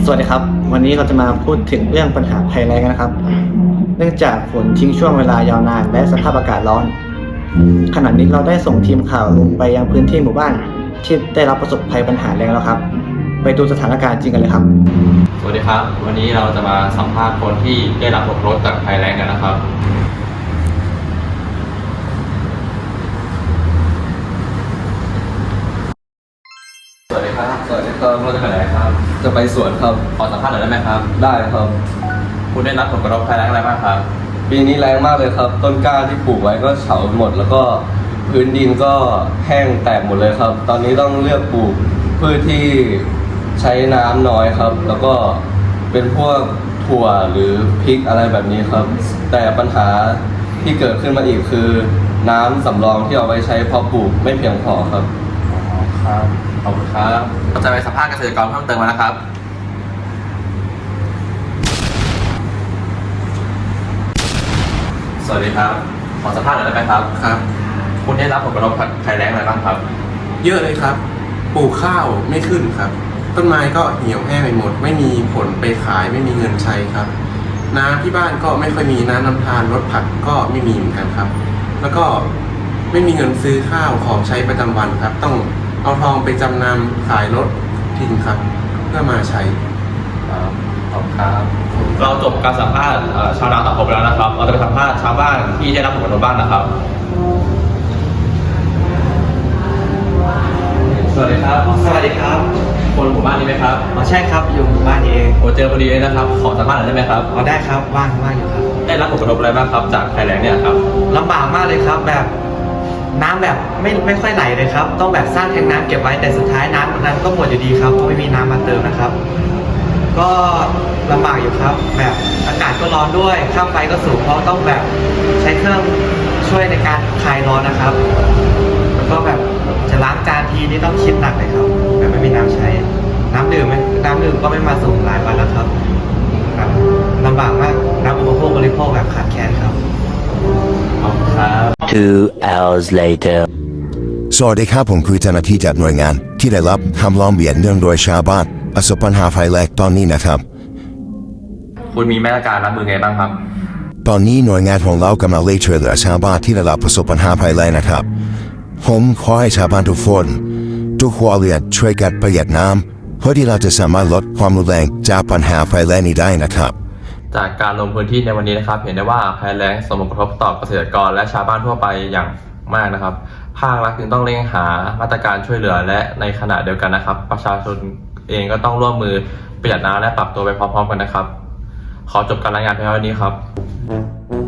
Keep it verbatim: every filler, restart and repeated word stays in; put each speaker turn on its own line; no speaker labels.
สวัสดีครับวันนี้เราจะมาพูดถึงเรื่องปัญหาภัยแล้งนะครับเนื่องจากฝนทิ้งช่วงเวลายาวนานและสภาพอากาศร้อนขณะนี้เราได้ส่งทีมข่าวลงไปยังพื้นที่หมู่บ้านที่ได้รับประสบภัยปัญหาแล้งแล้วครับไปดูสถานการณ์จริงกันเลยครับ
สวัสดีครับวันนี้เราจะมาสัมภาษณ์คนที่ได้รับผลกระทบจากภัยแล้งกันนะครับสวัสดีครับสวัสดีครับเราจะไปไหนครับ
จะไปสวนครับ
ขอสัมภาษณ์หน่อยได้ไหมครับ
ได้ครับ
คุณได้รับผลกระทบภัยแล้งอะไรบ้างครับ
ปีนี้แรงมากเลยครับต้นกล้าที่ปลูกไว้ก็เฉาหมดแล้วก็พื้นดินก็แห้งแตกหมดเลยครับตอนนี้ต้องเลือกปลูกพืชที่ใช้น้ำน้อยครับแล้วก็เป็นพวกถั่วหรือพริกอะไรแบบนี้ครับแต่ปัญหาที่เกิดขึ้นมาอีกคือน้ำสำรองที่เอาไว้ใช้เพาะปลูกไม่เพียงพอครับ
ครับขอบคุณครับเราจะไปสัมภาษณ์เกษตรกรเพิ่มเติมมานะครับสวัสดีครับขอสัมภาษณ์หน่อยได้ไหมครับ
ครับ
คุณได้รับผลกระทบภัยแล้งอะไรบ้างครับ
เยอะเลยครับปลูกข้าวไม่ขึ้นครับต้นไม้ก็เหี่ยวแห้งไปหมดไม่มีผลไปขายไม่มีเงินใช้ครับน้ำที่บ้านก็ไม่ค่อยมีน้ำน้ำทานรถผักก็ไม่มีเหมือนกันครับแล้วก็ไม่มีเงินซื้อข้าวของใช้ประจำวันครับต้องเอาทองไปจำนำขายรถทิ้งครับเพื่อมาใช้
ขอบคุณครับเราจบการสัมภาษณ์ชาวนาตัดผมแล้วนะครับเราจะไปสัมภาษณ์ชาวบ้านที่ได้รับผลกระทบบ้างนะครับสวัสดีครับ
สวัสดีครับ
คนหมู่บ้านนี้ไหมครับ
อ๋อใช่ครับอยู่หมู่บ้านนี้เอง
โอ้เจอพอดีเลยนะครับขอสัมภาษณ์หน่อยได้ไหมครับ
อ๋อได้ครับว่างว่างอยู่ครับ
ได้รับผลกระทบอะไรบ้างครับจากภัยแล้งเนี่ยครับ
ลำบากมากเลยครับแบบน้ำแบบไม่ไม่ค่อยไหลเลยครับต้องแบบสร้างแทงน้ำเก็บไว้แต่สุดท้ายน้ำนั้นก็หมดอยู่ดีครับเพราะไม่มีน้ำมาเติมนะครับก็ลำบากอยู่ครับแบบอากาศก็ร้อนด้วยค่าไฟก็สูงเพราะต้องแบบใช้เครื่องช่วยในการคลายร้อนนะครับแล้วก็แบบจะล้างจานทีนี่ต้องคิดหนักเลยครับแบบไม่มีน้ำใช้น้ำดื่มน้ำดื่มก็ไม่มาส่งหลายวันแล้วครับครับลำบากมากน้ำอุปโภคบริโภคแบบขาดแคลนครับ
ขอบคุณครับ
Two hours later
สวัสดีครับผมคือเจ้าหน้าที่จากหน่วยงานที่ได้รับคำร้องเรียนเนื่องโดยชาวบ้านประสบปัญหาภัยแล้งตอนนี้นะครับ
คุณมีมาตรการรับมือไงบ้างครับ
ตอนนี้หน่วยงานของเรากำลังเร่งช่วยเหลือชาวบ้านที่ได้รับประสบปัญหาภัยแล้งนะครับผมขอให้ชาวบ้านทุกคนทุกครัวเรือนช่วยกันประหยัดน้ำเพื่อที่เราจะสามารถลดความรุนแรงจากปัญหาภัยแล้งนี้ได้นะครับ
จากการลงพื้นที่ในวันนี้นะครับเห็นได้ว่าภัยแล้งส่งผลกระทบต่อเกษตรกรและชาวบ้านทั่วไปอย่างมากนะครับภาครัฐจึงต้องเร่งหามาตรการช่วยเหลือและในขณะเดียวกันนะครับประชาชนเองก็ต้องร่วมมือประหยัดน้ำและปรับตัวไปพร้อมๆกันนะครับขอจบการรายงานเพียงเท่านี้ครับ